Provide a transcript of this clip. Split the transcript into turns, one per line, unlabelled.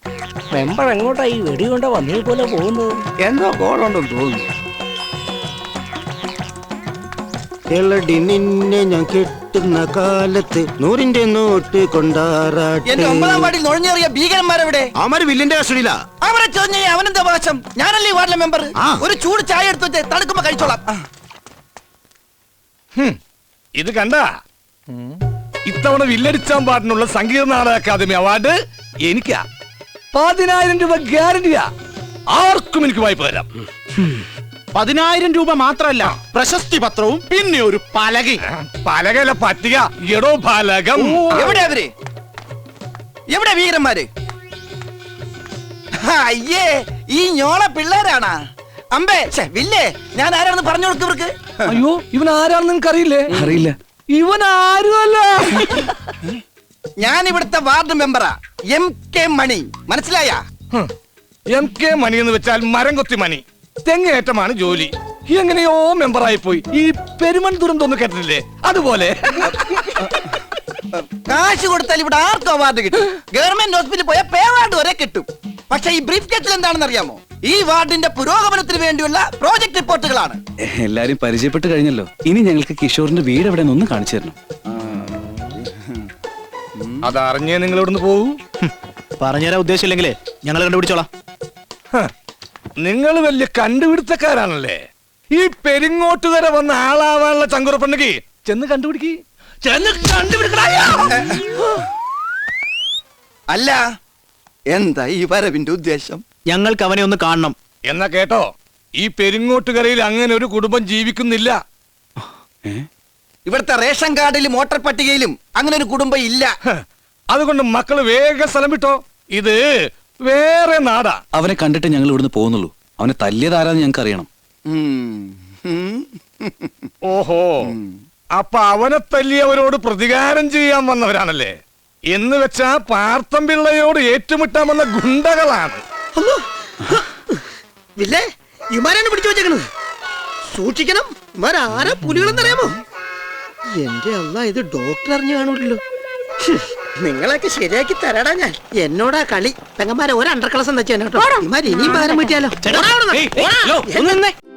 Member എങ്ങോട്ടാ ഈ വെടി കൊണ്ട് വന്നേ പോലെ പോകുന്നത്?
എന്തോ കോളുണ്ടെന്ന് തോന്നുന്നു.
എളടി നിന്നെ ഞാൻ കെട്ടുന്ന കാലത്ത് 100-ന്റെ നോട്ട് കൊണ്ടാറാട്ടെ.
എന്റെ 9-ാം വാർഡിൽ നുഴഞ്ഞേറിയ ഭീകരന്മാരെവിടെ?
അവര് വില്ലിന്റെ കസ്റ്റഡിയിലാ.
അവരെ ചോദ്യം ചെയ്യാൻ അവനെന്താ അവകാശം? ഞാനല്ലേ ഈ വാർഡിലെ മെമ്പർ. ഒരു ചൂട് ചായ എടുത്തു വെച്ച് തണുക്കുമ്പോ കഴിച്ചോളാം.
ഇത് കണ്ട ഇത്തവണ വില്ലടിച്ചാൻ പാട്ടിനുള്ള സംഗീത നാടക അക്കാദമി അവാർഡ് എനിക്കാ. 10,000 രൂപ ഗ്യാരണ്ടിയാ. ആർക്കും എനിക്ക് വായ്പ തരാം.
10,000 രൂപ മാത്രല്ല, പ്രശസ്തി പത്രവും പിന്നെ ഒരു പലകയും.
പലകല പറ്റിക എടോ പലകം.
എവിടെ അവര്? എവിടെ ഭീകരന്മാര്? അയ്യേ, ഈ ഞോള പിള്ളേരാണാ. അമ്പേ വില്ലേ, ഞാൻ ആരാണെന്ന് പറഞ്ഞു കൊടുക്കും ഇവർക്ക്.
അയ്യോ, ഇവൻ ആരാണെന്ന് നിങ്ങൾക്ക് അറിയില്ലേ? അറിയില്ല. ഇവൻ ആരുമല്ല.
ഞാൻ ഇവിടുത്തെ വാർഡ് മെമ്പറാ, MK മണി. മനസ്സിലായ?
MK മണി എന്ന് വെച്ചാൽ മരം കൊത്തി മണി. തെങ്ങേറ്റമാണ് ജോലി. എങ്ങനെയോ മെമ്പറായി പോയി. ഈ പെരുമൺ ദുരന്തം കേട്ടിട്ടില്ലേ? അതുപോലെ
കാശ് കൊടുത്താൽ ഇവിടെ ആർക്കും അവാർഡ് കിട്ടും. ഗവൺമെന്റ് ഹോസ്പിറ്റലിൽ പോയാൽ പേ അവാർഡ് വരെ കിട്ടും. പക്ഷെ ഈ ബ്രീഫ് കേസിൽ എന്താണെന്ന് അറിയാമോ? ഈ വാർഡിന്റെ പുരോഗമനത്തിന് വേണ്ടിയുള്ള പ്രോജക്ട് റിപ്പോർട്ടുകളാണ്.
എല്ലാരും പരിചയപ്പെട്ട് കഴിഞ്ഞല്ലോ. ഇനി ഞങ്ങൾക്ക് കിഷോറിന്റെ വീട് എവിടെ ഒന്ന് കാണിച്ചു തരണം.
അതറിഞ്ഞേ നിങ്ങൾ ഇവിടുന്ന് പോകൂ.
പറഞ്ഞുതരാൻ ഉദ്ദേശമില്ലെങ്കിലേ ഞങ്ങൾ കണ്ടുപിടിച്ചോളാം.
നിങ്ങൾ വലിയ കണ്ടുപിടുത്തക്കാരാണല്ലേ. ഈ പെരിങ്ങോട്ടുകര വന്ന ആളാവാനുള്ള ചങ്കുറപ്പുണ്ടെങ്കിൽ ചെന്ന് കണ്ടുപിടിക്ക്. ചെന്ന് കണ്ടുപിടിക്കണ.
അല്ല, എന്താ ഈ വരവിന്റെ ഉദ്ദേശം?
ഞങ്ങൾക്ക് അവനെ ഒന്ന് കാണണം.
എന്നാ കേട്ടോ, ഈ പെരിങ്ങോട്ടുകരയിൽ അങ്ങനെ ഒരു കുടുംബം ജീവിക്കുന്നില്ല.
ഇവിടുത്തെ റേഷൻ കാർഡിലും വോട്ടർ പട്ടികയിലും അങ്ങനെ ഒരു കുടുംബം ഇല്ല.
അതുകൊണ്ട് മക്കള് വേഗം സ്ഥലം വിട്ടോ. ഇത് വേറെ നാടാ.
അവനെ കണ്ടിട്ട് ഞങ്ങൾ ഇവിടുന്ന് പോകുന്നുള്ളൂ. അവനെ തല്ലിയതാരാന്ന് ഞങ്ങൾക്ക് അറിയണം.
ഓഹോ, അപ്പൊ അവനെ തല്ലിയവരോട് പ്രതികാരം ചെയ്യാൻ വന്നവരാണല്ലേ. എന്ന് വെച്ചാ പാർത്തം പിള്ളയോട് ഏറ്റുമുട്ടാൻ വന്ന ഗുണ്ടകളാണ്.
വില്ലേ, ഇമാരാണ് പിടിച്ചു വെച്ചേക്കണത്. സൂക്ഷിക്കണം. ഇമാരാരാ പുലികളെന്നറിയാമോ? എന്റെ അല്ല, ഇത് ഡോക്ടർ അറിഞ്ഞു കാണൂല്ലോ. നിങ്ങളൊക്കെ ശരിയാക്കി തരാടാ ഞാൻ. എന്നോടാ കളി. പെങ്ങന്മാരെ ഒരു അണ്ടർ ക്ലാസ് എന്ന് വെച്ചാൽ കേട്ടോ. ഇമാര് ഇനിയും പകരം പറ്റിയാലോ.